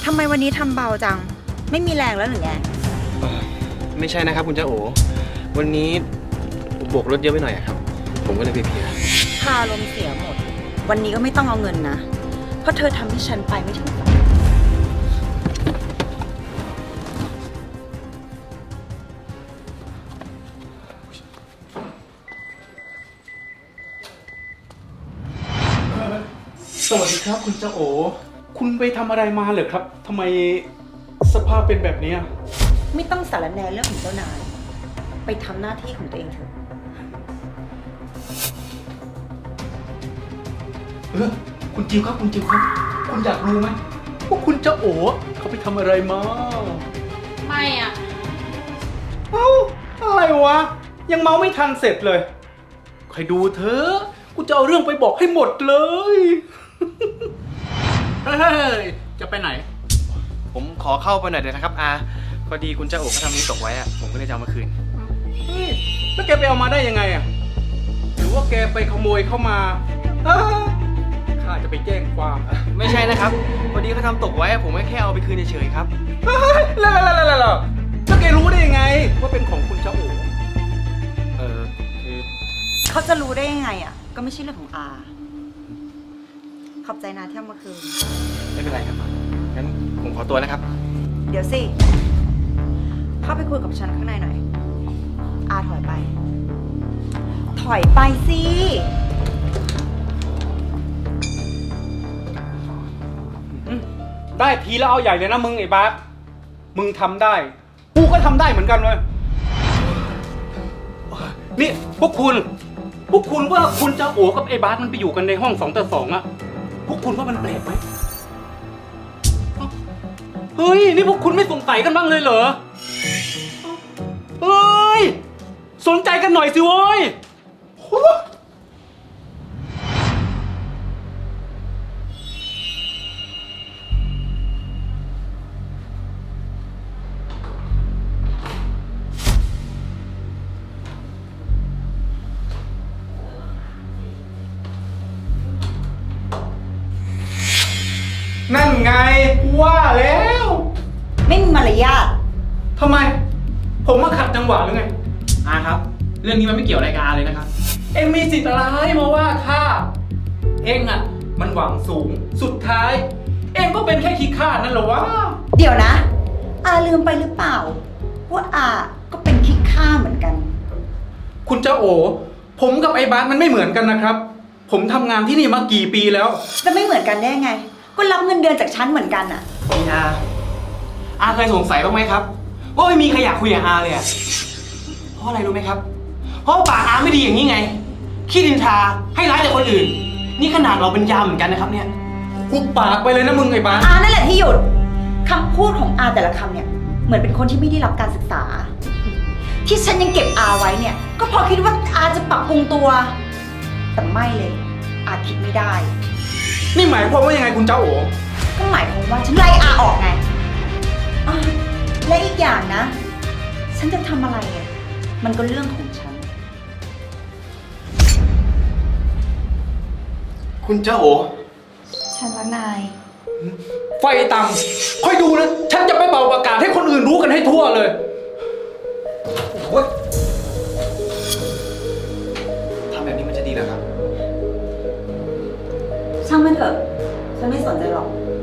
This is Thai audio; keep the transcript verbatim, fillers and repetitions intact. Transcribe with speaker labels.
Speaker 1: ทำไมวันนี้ทำเบาจัง ไม่มีแรงแล้วหรือไง
Speaker 2: ไม่ใช่นะครับคุณเจ้าโอวันนี้บวกรถเยอะไปหน่อยครับผมก็เลยเพลีย
Speaker 1: พาลมณ์เสียหมด วันนี้ก็ไม่ต้องเอาเงินนะ เพราะเธอทำให้ฉันไปไม่ถึงฝัน
Speaker 3: สวัสดีครับคุณเจ้าโอคุณไปทำอะไรมาเหรอครับทำไมสภาพเป็นแบบนี้
Speaker 1: ไม่ต้องสารแหนเรื่องของเจ้านาย ไปทำหน้าที่ของตัวเองเถอะ
Speaker 3: เออคุณจิวครับคุณจิวครับคุณอยากรู้ไหมว่าคุณเจ้าโอเขาไปทำอะไรมา
Speaker 4: ไม่อ่ะ
Speaker 3: เอ้าอะไรวะยังเมาไม่ทันเสร็จเลยใครดูเถอะกูจะเอาเรื่องไปบอกให้หมดเลย เฮ้ยจะไปไหน
Speaker 2: ผมขอเข้าไปหน่อยเดี๋ยวนะครับอาพอดีคุณเจ้าโอเขาทำนี้ตกไว้อะผมก็เลยจะเอามาคืน
Speaker 3: เฮ้ยแล้วแกไปเอามาได้ยังไงอ่ะหรือว่าแกไปขโมยเข้ามาอ้าข้าจะไปแจ้งความ
Speaker 2: ไม่ใช่นะครับพอดีเขาทำตกไว้อะผมก็แค่เอาไปคืนเฉยๆครับ
Speaker 3: เฮ้ยแล้วแล้วแล้วแล้วแล้วแล้วแกรู้ได้ยังไงว่าเป็นของคุณเจ้าโอ
Speaker 2: เออคือ
Speaker 1: เขาจะรู้ได้ยังไงอ่ะ ก็ไม่ใช่เรื่องของอา ขอบใจนะที่เอามาคืน
Speaker 2: ไม่เป็นไรครับงั้นผมขอตัวนะครับ
Speaker 1: เดี๋ยวสิ เข้าไปคุยกับฉันข้างในหน่อย อาถอยไป ถอยไปสิ
Speaker 3: ได้ทีแล้วเอาใหญ่เลยนะมึงไอ้บาสมึงทำได้กูก็ทำได้เหมือนกันเลยนี่พวกคุณพวกคุณว่าคุณเจ้าโอกับไอ้บาสมันไปอยู่กันในห้องสองต่อสองอะพวกคุณว่ามันแปลกไหมเฮ้ยนี่พวกคุณไม่สงสัยกันบ้างเลยเหรอเฮ้ยสนใจกันหน่อยสิเว้ยนั่นไงว่าแล้ว
Speaker 1: ไม่มีมารยาท
Speaker 3: ทำไม ผมมาขัดจังหวะหรือไง
Speaker 2: อาครับ เรื่องนี้มันไม่เกี่ยวอะไรกับอาเลยนะครับ
Speaker 3: เอ็งมีสิทธิ์อะไรมาว่าข้าเอ็งอ่ะ มันหวังสูง สุดท้าย เอ็งก็เป็นแค่ขี้ข้านั่นเหรอวะ
Speaker 1: เดี๋ยวนะ อาลืมไปหรือเปล่า ว่าอาก็เป็นคิดฆ่าเหมือนกัน
Speaker 3: คุณเจ้าโอ ผมกับไอ้บาสมันไม่เหมือนกันนะครับ ผมทำงานที่นี่มากี่ปีแล้ว
Speaker 1: จะไม่เหมือนกันได้ไง ก็รับเงินเดือนจากฉันเหมือนกันอะ
Speaker 2: นี่อาอาเคยสงสัยบ้างไหมครับ ว่าไม่มีใครอยากคุยกับอาเลยอะเพราะอะไรรู้ไหมครับ เพราะปากอาไม่ดีอย่างนี้ไง ขี้ดินทาให้ร้ายแต่คนอื่น นี่ขนาดเราเป็นยามเหมือนกันนะครับเนี่ย
Speaker 3: กูปากไปเลยนะมึงไอ้บาส
Speaker 1: อานั่นแหละที่หยุดคำพูดของอาแต่ละคำเนี่ย เหมือนเป็นคนที่ไม่ได้รับการศึกษา ที่ฉันยังเก็บอาไว้เนี่ย ก็เพราะคิดว่าอาจะปรับปรุงตัว แต่ไม่เลย อาคิดไม่ได้
Speaker 3: นี่หมายความว่ายังไงคุณเจ้าโอ
Speaker 1: ก็หมายความว่าฉันไล่อาออกไงอ่ะและอีกอย่างนะ ฉันจะทำอะไรเนี่ยมันก็เรื่องของฉัน
Speaker 2: คุณเจ้าโอ
Speaker 1: ฉันละนาย
Speaker 3: ไฟต่ำค่อยดูนะ ฉันจะไปเป่าประกาศให้คนอื่นรู้กันให้ทั่วเลยโอ้ย
Speaker 2: ทำแบบนี้มันจะดีเหรอครับ
Speaker 1: ช่างมันเถอะ ฉันไม่สนใจหรอก